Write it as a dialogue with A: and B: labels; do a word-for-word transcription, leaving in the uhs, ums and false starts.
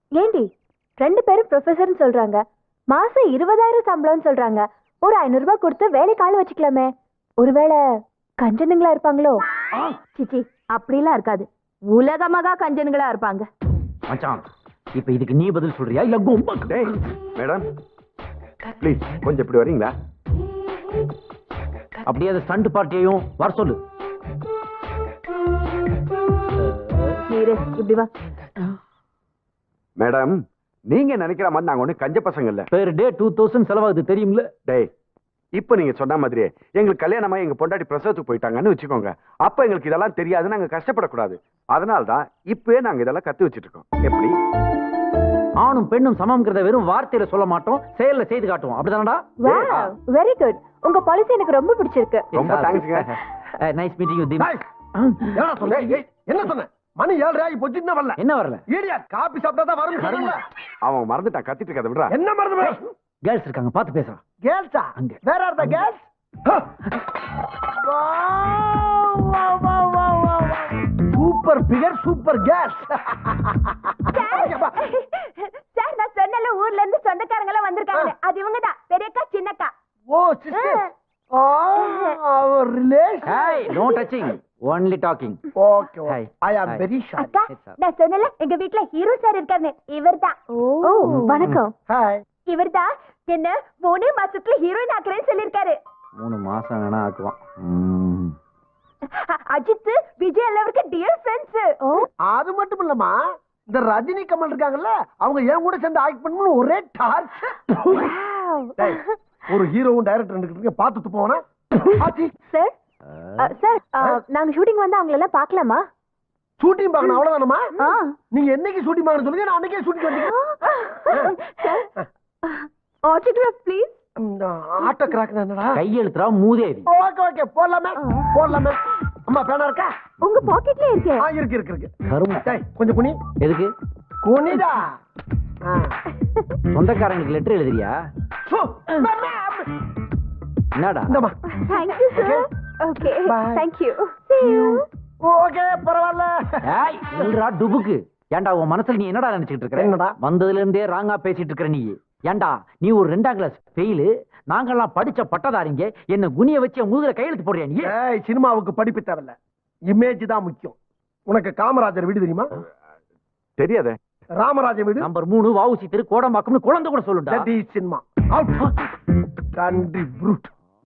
A: ஏண்டி ரெண்டு பேரும் ப்ரொஃபஸர்னு சொல்றாங்க, மாசம் இருபதாயிரம் சம்பளம்னு சொல்றாங்க. ஒரு ஐநூறு ரூபாய் கொடுத்து வேலைக்கு ஆள் வச்சுக்கலாமே. ஒருவேளை கஞ்சனுங்களா இருப்பாங்களோ? சிச்சி, அப்படிலாம் இருக்காது. உலகமாக கஞ்சனுங்களா இருப்பாங்க.
B: மச்சான், இப்ப இதுக்கு நீ பதில் சொல்றியா இல்ல கும்பா?
C: டேய் மேடம் ப்ளீஸ் கொஞ்சம் இப்படி வரீங்களா?
B: அப்படியே அந்த ஸ்டண்ட் பார்ட்டியையும் வர சொல்லு.
A: நீரு இப்படி வா.
C: மேடம், நீங்க நினைக்கிற மாதிரி நாங்க ஒண்ணு கஞ்ச பசங்க இல்ல.
B: பெர் டே டூ தௌசண்ட் செலவாகுது தெரியும்ல.
C: டேய், இப்ப நீங்க சொன்ன மாதிரியே எங்களுக்கு கல்யாணமா எங்க பொண்டாட்டி பிரசவத்துக்கு போயிட்டாங்கன்னு வச்சுக்கோங்க. அப்ப எங்களுக்கு இதெல்லாம் தெரியாது, நாங்க கஷ்டப்படக்கூடாது. அதனால்தான் இப்பவே நாங்க இதெல்லாம் கத்து வச்சிட்டு இருக்கோம். எப்படி?
B: ஆணும் பெண்ணும் சமம்ங்கிறத வெறும் வார்த்தையில சொல்ல மாட்டோம், செயல்ல செய்து காட்டுவோம். அப்படிதானடா?
A: Very good. உங்க பாலிசி எனக்கு ரொம்ப பிடிச்சிருக்கு.
C: ரொம்ப தேங்க்ஸ்ங்க.
B: Nice meeting you theme.
D: என்ன சொன்ன? என்ன சொன்ன? மணி ஏழரை ஆகி போச்சு, இன்னும் வரல.
B: என்ன வரல?
D: ஈடியா காபி சாப்பிட்டா தான் வரும்.
C: அவன் மறந்துட்டான், கத்திட்டு இருக்கத விடுறா.
D: என்ன மறந்து?
B: கேர்ள்ஸ் இருக்காங்க, பாத்து பேசுறான்.
D: கேர்ள்ஸா?
B: அங்க.
D: வேற are the girls? Super figure, super girls.
A: Sir, நான் சொன்னல ஊர்ல இருந்து சொந்தக்காரங்க எல்லாம் வந்திருக்காங்க. அது இவங்க தான், பெரியக்கா சின்னக்கா.
D: Oh sister. ஆ, our relation.
B: Hey, no touching, only talking.
D: Okay,
B: Hi.
D: I am very shy.
A: அக்கா, நான் சொன்னல எங்க வீட்ல ஹீரோ சார் இருக்காரு. இவர்தான். ஓ, வணக்கம்.
D: ஹாய்.
A: இவர்தான் என்ன மூணு மாசத்துல ஹீரோயின் ஆக்குறேன்னு சொல்லிருக்காரு.
B: மூணு மாசம் வேணா ஆக்குவான். ம்.
A: அஜித் விஜய் எல்லாருக்கும் டியர் ஃப்ரெண்ட்ஸ்.
D: அது மட்டும் இல்லம்மா, இந்த ரஜினி கமல் இருக்காங்கல்ல, அவங்க ஏன் கூட சேர்ந்து ஆக்ட் பண்ணனும் ஒரே டார்ச்சர். ஒரு ஹீரோவும் டைரக்டர் நிக்கிறீங்க, பார்த்துட்டு போனா.
A: சார் சார், நாங்க ஷூட்டிங் வந்து அவங்கள எல்லாம் பார்க்கலாமா?
D: ஷூட்டிங் பார்க்கணும் அவ்வளவுதானமா? நீங்க என்னைக்கு ஷூட்டிங் பார்க்கணும் சொல்லுங்க, நான் அன்னைக்கே ஷூட்டிங் வந்துட்டேன்.
A: Autograph please.
D: ஆட்டோ கிராக் என்னடா?
B: கையெழுத்துறா மூதேவி.
D: ஓகே ஓகே, போடலாமே போடலாமே. அம்மா பேனா இருக்கா?
A: உங்க பாக்கெட்ல இருக்கு.
D: ஆ, இருக்கு இருக்கு இருக்கு.
B: கரும.
D: டேய், கொஞ்சம் குனி.
B: எதுக்கு?
D: குனிடா.
B: சொந்தக்காரங்களுக்கு லெட்டர் எழுதுறியா?
D: சோ,
B: என்னடா?
D: இந்தமா.
A: Thank you sir. Okay.
D: Bye.
A: Thank you. See you.
D: Okay, பரவாயில்ல.
B: ஏய், இல்லடா டுபுக்கு. ஏன்டா உன் மனசுல நீ என்னடா நினைச்சிட்டு இருக்க?
D: என்னடா?
B: வந்ததுல இருந்தே ராங்கா பேசிட்டு இருக்க நீ. ஏன்டா நீ ஒரு ரெண்டாம் கிளாஸ் ஃபெயில், நாங்கெல்லாம் படிச்ச பட்டதாரிங்க, என்ன குனிய வச்சு முதுகுல கையெழுத்து போடுறியா நீ?
D: ஏய், சினிமாவுக்கு படிப்பு தேவையில்ல, இமேஜ் தான் முக்கியம். உனக்கு காமராஜர் வீடு தெரியுமா?
C: தெரியாதே.
D: ராமராஜர் வீடு
B: நம்பர் மூணு வஉசி தெரு கோடம்பாக்கம்னு குழந்தை கூட சொல்லுடா.
D: That is cinema. Out. Country fruit.